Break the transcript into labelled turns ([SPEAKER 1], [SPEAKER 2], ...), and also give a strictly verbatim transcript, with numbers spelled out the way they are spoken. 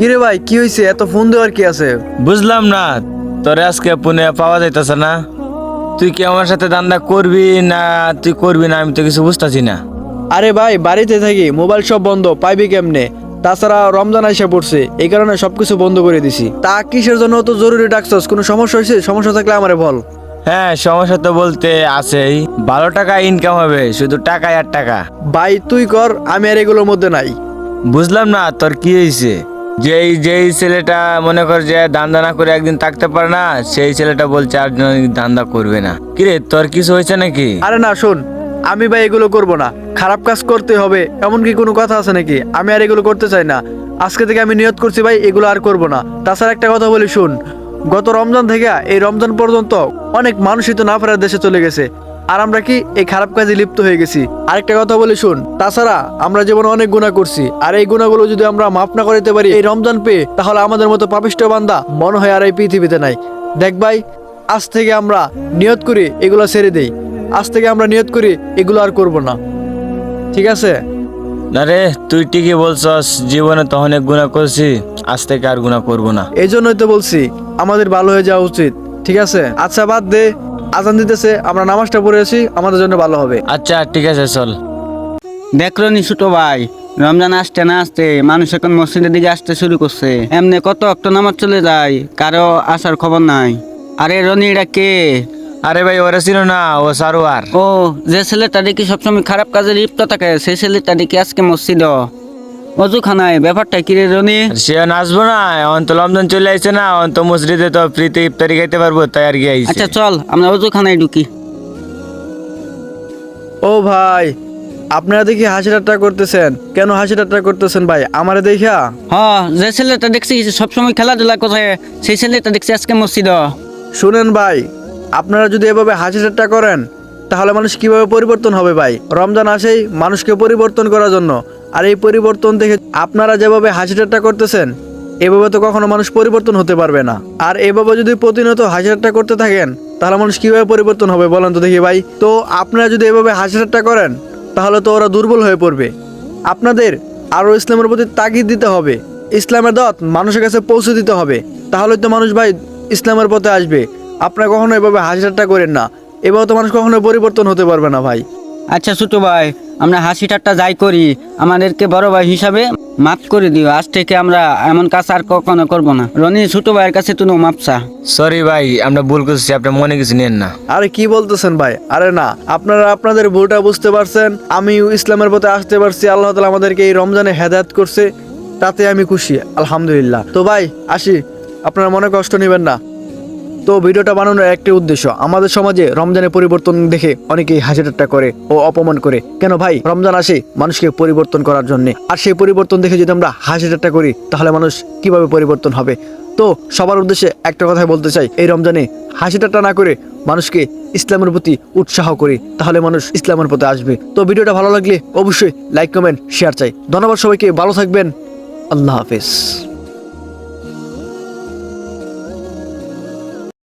[SPEAKER 1] কিরে ভাই, কি হয়েছে? এত ফোন দেওয়ার কি আছে?
[SPEAKER 2] বুঝলাম না, তোরে আজকে পুনে পাওয়া যাইতেছে না। তুই কি আমার সাথে দান্দা করবি না তুই করবি না, আমি তো কিছু বুঝতেছি না।
[SPEAKER 1] আরে ভাই, বাড়িতে থাকি, মোবাইল সব বন্ধ, পাইবি কেমনে? তাছাড়া রমজান আইসা পড়ছে, এই কারণে সবকিছু বন্ধ করে দিছি। তা কিসের জন্য তো জরুরি ডাকছস? কোনো সমস্যা হয়েছে? সমস্যা থাকলে আমারে বল।
[SPEAKER 2] হ্যাঁ, সমস্যা তো বলতে আছেই। ভালো টাকা ইনকাম হবে, শুধু টাকায় আর টাকা।
[SPEAKER 1] ভাই তুই কর, আমি আর এগুলোর মধ্যে নাই।
[SPEAKER 2] বুঝলাম না তোর কি হয়েছে। যেই যেই ছেলেটা মনে কর যে ধান্দা না করে একদিন থাকতে পারে না, সেই ছেলেটা বলছে আর ধান্দা করবে না। কিরে, তোর কিছু হয়েছে নাকি?
[SPEAKER 1] আরে না, শোন, আমি ভাই এগুলো করব না। খারাপ কাজ করতে হবে এমন কি কোনো কথা আছে নাকি? আমি আর এগুলো করতে চাই না। আজকে থেকে আমি নিয়ত করছি ভাই, এগুলো আর করব না। তাছাড়া একটা কথা বলি, শুন, গত রমজান থেকে এই রমজান পর্যন্ত অনেক মানুষই তো না ফেরার দেশে চলে গেছে, আর আমরা কি এই খারাপ কাজে লিপ্ত হয়ে গেছি। আরেকটা কথা বলি, শুন, তাছাড়া আমরা জীবনে অনেক গুনাহ করছি, আর এই গুনাহগুলো যদি আমরা মাফ না করতে পারি এই রমজান পেয়ে, তাহলে আমাদের মতো পাপিষ্ঠ বান্দা মনে হয় আর এই পৃথিবীতে নাই। দেখ ভাই, আজ থেকে আমরা নিয়ত করি এগুলো ছেড়ে দেই। আজ থেকে আমরা নিয়ত করি এগুলো আর করব না, ঠিক আছে?
[SPEAKER 2] না রে, তুই ঠিকই বলছস, জীবনে তো অনেক গুনাহ করছি, আজ থেকে আর গুনাহ করবো না।
[SPEAKER 1] এই জন্যই তো বলছি আমাদের ভালো হয়ে যাওয়া উচিত, ঠিক আছে? আচ্ছা বাদ দে, আজান দিতেছে, আমরা নামাজটা পড়ে আসি, আমাদের জন্য ভালো হবে।
[SPEAKER 2] আচ্ছা ঠিক আছে, চল।
[SPEAKER 3] দেখলো নি ছোট ভাই, রমজান আসতে না আসতে মানুষ এখন মসজিদের দিকে আসতে শুরু করছে। এমনি কত অক্ট নামাজ চলে যায়, কারো আসার খবর নাই। আরে রনি, এটা কে?
[SPEAKER 2] আরে ভাই, ওরা ছিল না, ও সারোয়ার।
[SPEAKER 3] ও, যে ছেলেটা দেখি সবসময় খারাপ কাজে লিপ্ত থাকে, সেই ছেলেটা দেখি আজকে মসজিদ অজুখানায়। ব্যাপারটা কি রে রনি?
[SPEAKER 2] সে নাচবো না, অন্ত রমজান চলে আইছে না, অন্ত মসজিদে তো ফ্রিতে ইফতারি খাইতে পারবো, তাই আর কি আইছে।
[SPEAKER 3] আচ্ছা চল, আমরা অজুখানায় ঢুকি।
[SPEAKER 1] ও ভাই, আপনারা দেখি হাসি ঠাট্টা করতেছেন কেন? হাসি ঠাট্টা করতেছেন ভাই আমারে দেখা?
[SPEAKER 3] হ, যে ছেলেটা দেখছি সবসময় খেলাধুলা করে, সেই ছেলেটা দেখছি আজকে মসজিদ।
[SPEAKER 1] শুনেন ভাই, আপনারা যদি এভাবে হাসি ঠাট্টা করেন তাহলে মানুষ কিভাবে পরিবর্তন হবে ভাই? রমজান আসেই মানুষকে পরিবর্তন করার জন্য, আর এই পরিবর্তন দেখে আপনারা যেভাবে হাসি ঠাট্টা করতেছেন, এভাবে তো কখনো মানুষ পরিবর্তন হতে পারবে না। আর এভাবে যদি প্রতিনিয়ত হাসি ঠাট্টা করতে থাকেন তাহলে মানুষ কিভাবে পরিবর্তন হবে বলেন তো দেখি ভাই? তো আপনারা যদি এভাবে হাসি ঠাট্টা করেন তাহলে তো ওরা দুর্বল হয়ে পড়বে। আপনাদের আরও ইসলামের প্রতি তাগিদ দিতে হবে, ইসলামের দাওয়াত মানুষের কাছে পৌঁছে দিতে হবে, তাহলে তো মানুষ ভাই ইসলামের পথে আসবে। আপনারা কখনো এভাবে হাসি ঠাট্টা করেন না, এভাবে তো মানুষ কখনো পরিবর্তন হতে পারবে না ভাই।
[SPEAKER 3] আচ্ছা ছোট ভাই, আমরা হাসি ঠাট্টা যাই করি, আমাদেরকে বড় ভাই হিসাবে মাফ করে দিও। আজ থেকে আমরা এমন কাজ আর কখনো করবো না। রনি, ছোট ভাইয়ের কাছে তুমি মাপ চা।
[SPEAKER 2] সরি ভাই, আমরা ভুল করছি, আপনি মনে কিছু নেন না।
[SPEAKER 1] আরে কি বলতেছেন ভাই? আরে না, আপনারা আপনাদের ভুলটা বুঝতে পারছেন, আমি ইসলামের পথে আসতে পারছি, আল্লাহ তাআলা আমাদেরকে এই রমজানে হেদায়েত করছে, তাতে আমি খুশি, আলহামদুলিল্লাহ। তো ভাই আসি, আপনারা মনে কষ্ট নেবেন না। তো ভিডিওটা বানানোর একটি উদ্দেশ্য, আমাদের সমাজে রমজানের পরিবর্তন দেখে অনেকেই হাসি ঠাট্টা করে ও অপমান করে। কেন ভাই? রমজান আসে মানুষকে পরিবর্তন করার জন্য, আর সেই পরিবর্তন দেখে যদি আমরা হাসি ঠাট্টা করি তাহলে মানুষ কিভাবে পরিবর্তন হবে? তো সবার উদ্দেশ্যে একটা কথাই বলতে চাই, এই রমজানে হাসি ঠাট্টা না করে মানুষকে ইসলামের প্রতি উৎসাহ করি, তাহলে মানুষ ইসলামের পথে আসবে। তো ভিডিওটা ভালো লাগলে অবশ্যই লাইক কমেন্ট শেয়ার চাই। ধন্যবাদ সবাইকে, ভালো থাকবেন, আল্লাহ হাফেজ।